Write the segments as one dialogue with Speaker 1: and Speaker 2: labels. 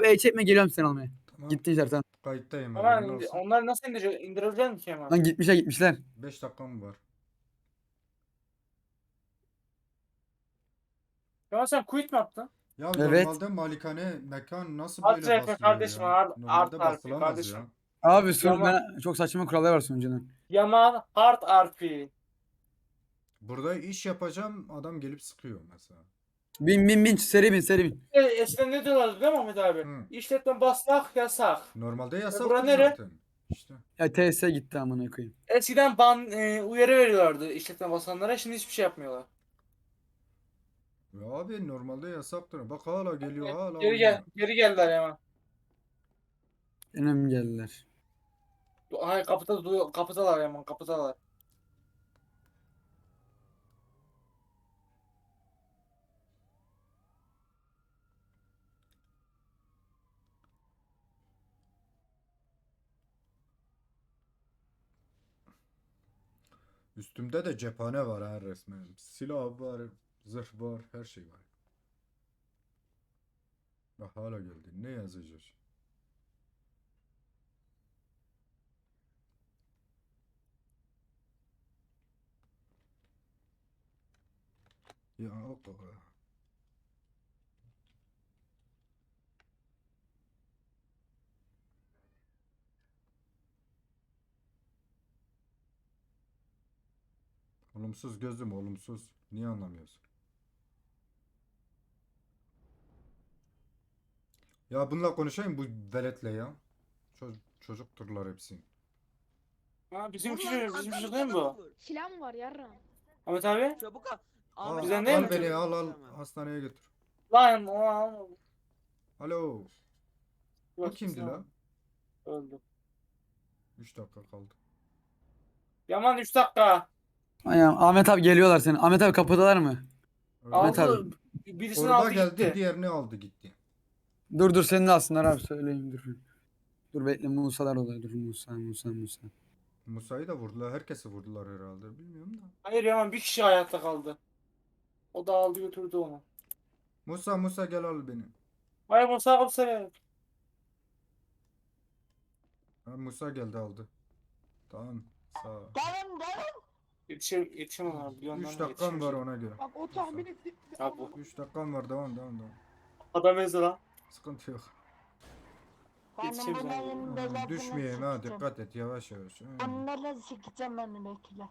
Speaker 1: arabayı çekme geliyorum seni almaya.
Speaker 2: Tamam.
Speaker 1: Gittiler sen.
Speaker 2: Kayıttayım.
Speaker 3: Ama
Speaker 2: haberin olsun.
Speaker 3: onları nasıl indirebilecek misin Kemal?
Speaker 1: Lan gitmişler.
Speaker 2: 5 dakikam var.
Speaker 3: Kemal sen quit mi yaptın?
Speaker 2: Ya
Speaker 1: Evet.
Speaker 2: normalde malikane mekan nasıl
Speaker 3: Art
Speaker 2: böyle
Speaker 3: RP
Speaker 2: basılıyor
Speaker 3: kardeşim,
Speaker 2: ya?
Speaker 3: art
Speaker 2: Normalde
Speaker 3: RP
Speaker 2: basılamaz
Speaker 3: kardeşim.
Speaker 2: ya.
Speaker 1: Abi
Speaker 3: Yaman,
Speaker 1: ben çok saçma kurallar var sunucunun.
Speaker 3: Yaman Hard RP.
Speaker 2: Burada iş yapacağım adam gelip sıkıyor mesela.
Speaker 1: Bin seri bin.
Speaker 3: Eskiden ne diyorlardı değil mi Ahmet abi?
Speaker 2: Hı.
Speaker 3: İşletme basmak yasak.
Speaker 2: Normalde
Speaker 3: Bura
Speaker 2: yasaktır
Speaker 3: nere?
Speaker 2: zaten. İşte.
Speaker 1: Ya TS gitti amına koyayım.
Speaker 3: Eskiden uyarı veriyorlardı işletme basanlara, şimdi hiçbir şey yapmıyorlar.
Speaker 2: Ya abi normalde yasaktır. Bak hala geliyor hala
Speaker 3: Geri
Speaker 2: oynuyor.
Speaker 3: geri geldiler Yaman.
Speaker 1: Benim geldiler.
Speaker 3: Hayır, kapıdalar Yaman, kapıdalar.
Speaker 2: Üstümde de cephane var ha resmen. Silah var, zırh var, her şey var. Bak hala geldi. Ne yazacağız? Ya o kadar. Olumsuz gözüm olumsuz. Niye anlamıyorsun? Ya bununla konuşayım bu veletle ya. Çocukturlar hepsi.
Speaker 3: Ha, bizim
Speaker 4: Bunlar
Speaker 3: çocuk değil mi bu?
Speaker 4: Silah mı var yarram?
Speaker 3: Ahmet abi?
Speaker 4: Çabuk al.
Speaker 2: Al,
Speaker 4: Ahmet
Speaker 3: Bizden
Speaker 4: abi,
Speaker 3: değil
Speaker 2: al
Speaker 3: mi
Speaker 2: beni
Speaker 3: çocuk?
Speaker 2: al hastaneye götür.
Speaker 3: Lan o
Speaker 2: Alo. O kimdi la?
Speaker 3: Öldü.
Speaker 2: 3 dakika kaldı.
Speaker 3: Yaman 3 dakika.
Speaker 1: Ayağım Ahmet abi geliyorlar senin. Ahmet abi kapıdalar mı?
Speaker 2: Öyle.
Speaker 1: Ahmet
Speaker 3: Aldı.
Speaker 1: abi.
Speaker 3: Birisini
Speaker 2: Orba
Speaker 3: aldı
Speaker 2: geldi
Speaker 3: gitti.
Speaker 2: diğerini aldı gitti.
Speaker 1: Dur seni de alsınlar abi söyleyeyim dur. Dur bekle Musa'lar oluyor. Dur Musa.
Speaker 2: Musa'yı da vurdular. Herkesi vurdular herhalde. Bilmiyorum da.
Speaker 3: Hayır Yaman, bir kişi hayatta kaldı. O da aldı götürdü onu.
Speaker 2: Musa gel al beni.
Speaker 3: Hayır Musa abi sen.
Speaker 2: Ha, Musa geldi aldı. Tamam. Sağ ol.
Speaker 4: Devam.
Speaker 3: Yetişemem abi. Bir yandan
Speaker 2: 3
Speaker 3: da
Speaker 2: dakikam var
Speaker 3: yetişemeyecek.
Speaker 2: ona göre.
Speaker 4: Bak o tahmini
Speaker 3: Abi bu.
Speaker 2: 3 dakikam var devam.
Speaker 3: Adam ezdi lan.
Speaker 2: Sıkıntı yok.
Speaker 3: Yetişiriz abi.
Speaker 2: Düşmeyeyim ha dikkat et yavaş.
Speaker 4: Onlarla sikeceğim ben bekle.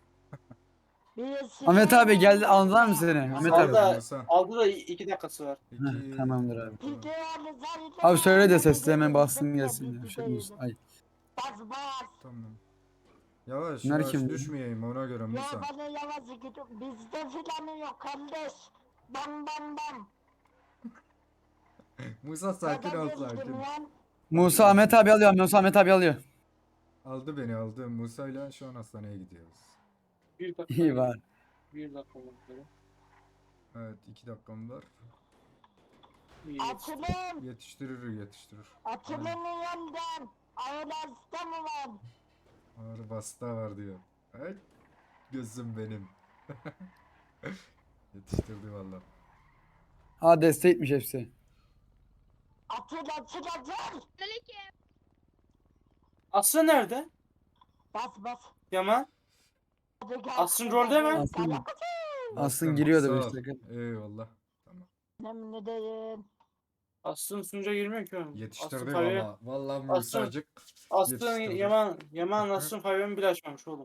Speaker 1: Ahmet abi geldi aldılar mı seni? Ahmet
Speaker 3: Aldı
Speaker 1: abi.
Speaker 3: da,
Speaker 2: Musa.
Speaker 3: aldı da 2 dakikası var.
Speaker 1: Heh, tamamdır abi.
Speaker 2: Tamam.
Speaker 1: Abi söyle de sesli hemen bassın gelsin. Ya. Şey, Musa. Ay.
Speaker 4: Bas.
Speaker 2: Tamam. Yavaş
Speaker 1: Bunlar
Speaker 2: yavaş
Speaker 1: kim?
Speaker 2: düşmeyeyim ona göre
Speaker 4: Ya
Speaker 2: Musa.
Speaker 4: bana yavaş git. Bizde filanı yok kardeş. Bam.
Speaker 2: Musa sakin ol sakin.
Speaker 1: Musa Ahmet abi alıyor. Musa Ahmet abi alıyor.
Speaker 2: Aldı beni aldı. Musa ile şu an hastaneye gidiyoruz.
Speaker 3: 1 dakika.
Speaker 1: İyi var.
Speaker 3: 1 dakika oldu.
Speaker 2: Evet 2 dakikam var.
Speaker 3: İyi.
Speaker 4: Açılın.
Speaker 2: Yetiştirir.
Speaker 4: Açılın yandan. Ağır hasta mı var?
Speaker 2: Ağrı basta var diyor. Evet. Gözüm benim. Yetiştirdi valla.
Speaker 1: Ha destekmiş hepsi.
Speaker 4: Açıl.
Speaker 3: Aslı nerede?
Speaker 4: Bas.
Speaker 3: Yaman. Asrın rolde mi?
Speaker 1: Aslı giriyordu
Speaker 2: Sağ
Speaker 1: 5
Speaker 2: ol.
Speaker 1: dakika.
Speaker 2: Eyvallah. Tamam.
Speaker 4: Ne diyeyim?
Speaker 3: Aslı'nın sunucuya girmiyor ki oğlum.
Speaker 2: Yetiştirdi
Speaker 3: Aslı
Speaker 2: valla. Valla
Speaker 3: Aslı-
Speaker 2: Musacık
Speaker 3: Aslı'nın
Speaker 2: yetiştirdi.
Speaker 3: Yaman Aslı'nın favyonu bile açmamış oğlum.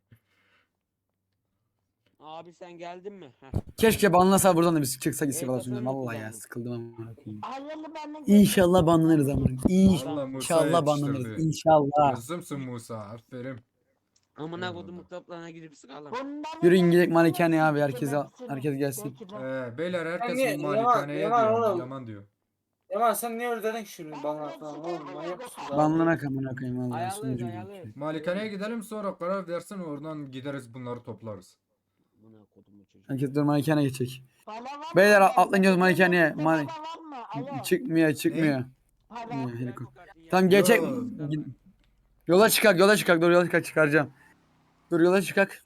Speaker 5: Abi sen geldin mi? Heh.
Speaker 1: Keşke banlasa buradan da biz çıksak istifa
Speaker 5: Evet,
Speaker 1: sunucu.
Speaker 5: efendim,
Speaker 1: Vallahi ya
Speaker 5: kullandım.
Speaker 1: sıkıldım amına koyayım.
Speaker 4: Hayırlı beni
Speaker 1: İnşallah banlanırız ama.
Speaker 2: Valla Musa
Speaker 1: İnşallah banlanırız.
Speaker 2: yetiştirdi.
Speaker 1: İnşallah.
Speaker 2: Gözümsün Musa. Aferin.
Speaker 5: Amına
Speaker 2: Eyvallah.
Speaker 5: kodum kitaplarına gidip sıkalım.
Speaker 1: Yürüyün gidelim malikane abi herkes gelsin.
Speaker 2: Beyler herkes
Speaker 3: niye-
Speaker 2: bir malikaneye
Speaker 3: Yaman
Speaker 2: diyor.
Speaker 3: oğlum.
Speaker 2: Yaman diyor.
Speaker 3: Yaman sen niye öyle dedin ki şimdi bana falan oğlum, manyak mısın?
Speaker 1: Banlanak amına koyayım vallahi
Speaker 5: Ayarlıyız
Speaker 1: sunucu.
Speaker 5: ayarlıyız.
Speaker 2: Malikaneye gidelim sonra karar versin oradan gideriz bunları toplarız.
Speaker 5: Amına kodumu çocuk.
Speaker 1: Herkes dur malikane geçecek. Beyler atlayın göz malikaneye. Çıkmıyor. Çıkmıyor, helikopter. Tamam geçecek.
Speaker 2: Yo.
Speaker 1: Yola çıkar. Dur yola çıkaracağım. Dur yola çıkak.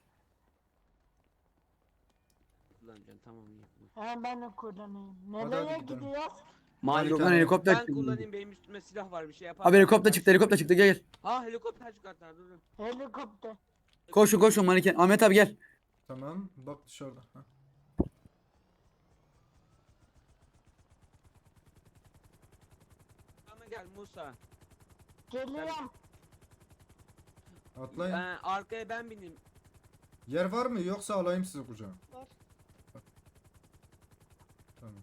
Speaker 5: Kullanacaksın tamam iyi.
Speaker 4: Ben de kullanayım.
Speaker 2: Hadi
Speaker 4: Nereye
Speaker 2: gidelim.
Speaker 4: gidiyoruz?
Speaker 5: Malik
Speaker 1: Yok lan
Speaker 2: tane-
Speaker 1: helikopter
Speaker 5: ben
Speaker 1: çıktı.
Speaker 5: kullanayım, benim üstüme silah var, bir şey yapar.
Speaker 1: Abi helikopter çıktı gel gel.
Speaker 5: Ha helikopter çıkarttılar, dur.
Speaker 4: Helikopter.
Speaker 1: Koşun manken. Ahmet abi gel.
Speaker 2: Tamam bak dışarıda. Ha.
Speaker 5: Ama gel Musa.
Speaker 4: Geliyorum.
Speaker 2: Atlayın.
Speaker 5: Arkaya ben bineyim.
Speaker 2: Yer var mı yoksa alayım sizi kucağına?
Speaker 6: Var.
Speaker 2: Tamam.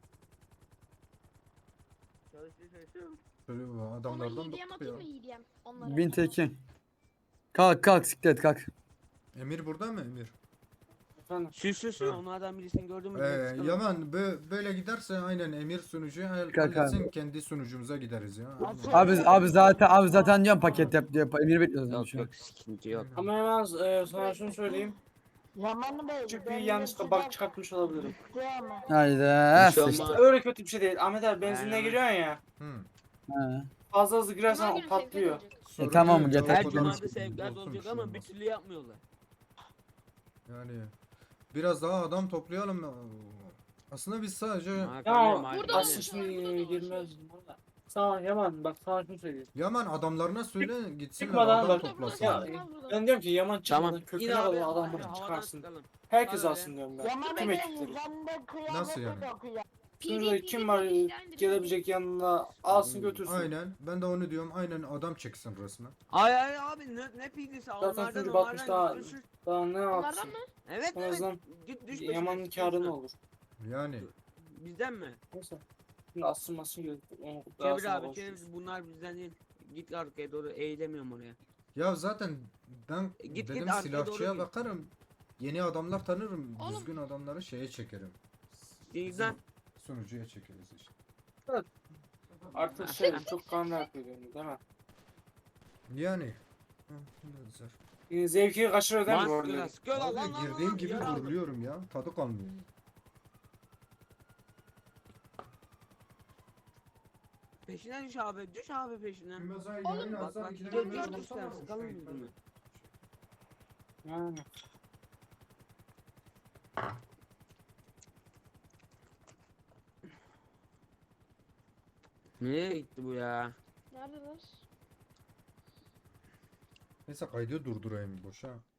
Speaker 5: Çalışıyor.
Speaker 2: Şöyle bu
Speaker 6: Ona
Speaker 2: adamlardan
Speaker 6: hediyem
Speaker 2: bıktık ya.
Speaker 6: atayım mı hediyem? Onlara.
Speaker 1: Bin tekin. Kalk siklet kalk.
Speaker 2: Emir burada mı Emir?
Speaker 3: Efendim.
Speaker 5: Sür
Speaker 2: Ha.
Speaker 5: onlardan birisini gördün mü? direkt sıkalım.
Speaker 2: Yaman böyle giderse aynen Emir sunucuya
Speaker 1: Kalk
Speaker 2: halletsin, kendi sunucumuza gideriz ya.
Speaker 4: Nasıl?
Speaker 1: Abi zaten diyorum paket yap diyor. Emir bekliyoruz
Speaker 5: Yok
Speaker 1: şu an.
Speaker 5: yok, sıkıntı yok.
Speaker 3: Ama hemen sana şunu söyleyeyim.
Speaker 4: Yaman Bey.
Speaker 3: Küçük bir
Speaker 4: benim
Speaker 3: yanlışlıkla
Speaker 4: silah
Speaker 3: bak çıkartmış olabilirim.
Speaker 4: bitti ama.
Speaker 1: Haydi.
Speaker 5: Bir şey
Speaker 1: sıçtı.
Speaker 5: olmaz.
Speaker 3: Öyle kötü bir şey değil. Ahmet abi benzinliğe
Speaker 5: Aynen.
Speaker 3: giriyorsun ya.
Speaker 2: Hı.
Speaker 1: Ha.
Speaker 3: Fazla hızlı
Speaker 6: Cuma
Speaker 3: girersen
Speaker 6: günü
Speaker 3: o patlıyor.
Speaker 6: sevkiyat olacak.
Speaker 2: Sorun
Speaker 1: tamam,
Speaker 2: değil,
Speaker 1: yeter
Speaker 2: ya,
Speaker 5: Her
Speaker 2: o kadar
Speaker 5: cumada
Speaker 2: sıkıntı
Speaker 5: sevkiyat
Speaker 2: olsun,
Speaker 5: olacak
Speaker 2: şey
Speaker 5: ama
Speaker 2: olmaz.
Speaker 5: bir türlü yapmıyorlar.
Speaker 2: Yani biraz daha adam toplayalım. Aslında biz sadece
Speaker 3: Ya
Speaker 6: Burada
Speaker 3: aslında
Speaker 6: olmuş,
Speaker 3: şimdi
Speaker 6: burada da
Speaker 3: girmez. Sana Yaman bak sana şunu söyleyeyim.
Speaker 2: Yaman adamlarına söyle gitsinler
Speaker 3: çıkmadan
Speaker 2: adam
Speaker 3: bak.
Speaker 2: toplasınlar.
Speaker 3: Ya, ben diyorum ki Yaman çıkmadan
Speaker 5: Tamam.
Speaker 3: köküne
Speaker 5: Yine abi,
Speaker 3: kadar adam
Speaker 5: havadan
Speaker 3: çıkarsın.
Speaker 5: sıkalım.
Speaker 3: Herkes
Speaker 5: Bana
Speaker 3: alsın diyorum ben.
Speaker 4: Yaman
Speaker 3: Tüm
Speaker 4: Bey
Speaker 3: ekipleri.
Speaker 4: yüzünde kıyafeti
Speaker 2: Nasıl yani?
Speaker 4: dokuyor.
Speaker 3: Şurada kim var gelebilecek yanına alsın götürsün.
Speaker 2: Aynen. Ben de onu diyorum. Aynen adam çeksin resmen.
Speaker 5: Ay abi ne pilisi
Speaker 3: Zaten
Speaker 5: onlardan
Speaker 3: sunucu batmış daha,
Speaker 5: git düşür.
Speaker 3: daha ne
Speaker 6: Onlardan
Speaker 3: yapsın?
Speaker 6: mı?
Speaker 5: Evet
Speaker 3: En
Speaker 5: evet.
Speaker 3: azından
Speaker 5: Git düş
Speaker 3: Yaman'ın
Speaker 5: peşine,
Speaker 3: karı ne
Speaker 5: peşine.
Speaker 3: olur?
Speaker 2: Yani.
Speaker 5: Bizden mi?
Speaker 3: Neyse. Şimdi asılmasın gerek. Onu daha
Speaker 5: Çevir
Speaker 3: sonra
Speaker 5: abi
Speaker 3: konuşuruz.
Speaker 5: çevir, bunlar bizden değil. Git arkaya doğru, eğilemiyorum oraya.
Speaker 2: Ya zaten ben
Speaker 5: Git,
Speaker 2: dedim
Speaker 5: arkaya
Speaker 2: silahçıya
Speaker 5: doğru git.
Speaker 2: bakarım. Yeni adamlar tanırım.
Speaker 6: Oğlum.
Speaker 2: Düzgün adamları şeye çekerim.
Speaker 5: Bizden.
Speaker 2: Sunucuya çekeriz işte.
Speaker 3: Artık şey çok kanlı yapıyor değil mi?
Speaker 2: Yani. Hı, güzel.
Speaker 3: Zevki kaçırıyor değil mi bu
Speaker 5: Sıkıyorlar,
Speaker 3: arada?
Speaker 5: sıkıyorlar
Speaker 2: Abi
Speaker 5: lan lan
Speaker 2: girdiğim
Speaker 5: lan,
Speaker 2: gibi
Speaker 5: yara aldım.
Speaker 2: vuruluyorum ya. Tadı kalmıyor.
Speaker 5: Peşinden düş abi, düş abi peşinden.
Speaker 6: Oğlum,
Speaker 5: Bak bak,
Speaker 2: iki
Speaker 5: gel
Speaker 2: dakika
Speaker 5: gel
Speaker 2: sonra
Speaker 5: düş sen, sıkalım yüzünü.
Speaker 3: Yani.
Speaker 5: Nereye gitti bu ya?
Speaker 6: Neredeler?
Speaker 2: Neyse kaydı durdurayım boşa.